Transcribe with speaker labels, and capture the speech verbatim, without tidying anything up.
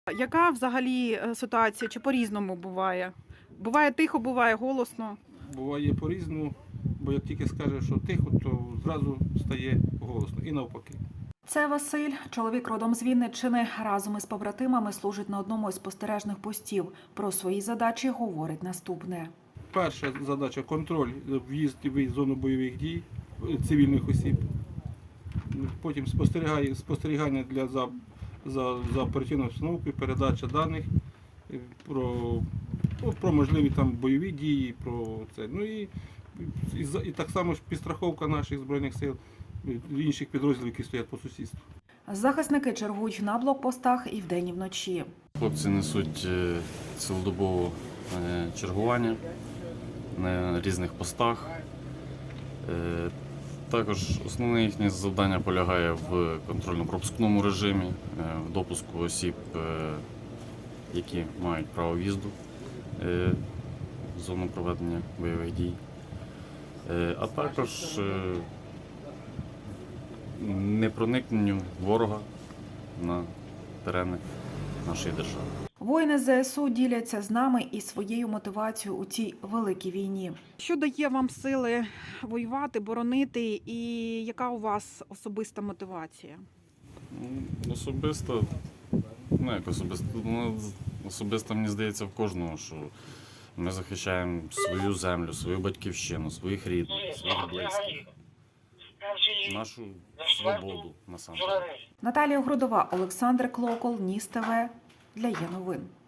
Speaker 1: Яка взагалі е, ситуація? Чи по-різному буває? Буває тихо, буває голосно.
Speaker 2: Буває по-різному, бо як тільки скаже, що тихо, то зразу стає голосно і навпаки.
Speaker 3: Це Василь, чоловік родом з Вінниччини. Разом із побратимами служить на одному із спостережних постів. Про свої задачі говорить наступне.
Speaker 2: Перша задача – контроль, в'їзд і виїзд в зону бойових дій цивільних осіб. Потім спостерігання, спостерігання для, за, за, за оперативною обстановкою, передача даних про, про можливі там бойові дії, про це. Ну і, і, і так само ж підстраховка наших Збройних сил, інших підрозділів, які стоять по сусідству.
Speaker 3: Захисники чергують на блокпостах і вдень, і вночі.
Speaker 4: Хлопці несуть цілодобове чергування на різних постах. Також основне їхнє завдання полягає в контрольно-пропускному режимі, в допуску осіб, які мають право в'їзду в зону проведення бойових дій, а також непроникненню ворога на терени нашої держави.
Speaker 3: Воїни ЗСУ діляться з нами і своєю мотивацією у цій великій війні.
Speaker 1: Що дає вам сили воювати, боронити, і яка у вас особиста мотивація?
Speaker 4: Особисто, ну як особисто, ну, особисто мені здається в кожного, що ми захищаємо свою землю, свою батьківщину, своїх рідних, своїх близьких, нашу свободу насамперед.
Speaker 3: Наталія Грудова, Олександр Клокол, Ніс ТВ для Є новин.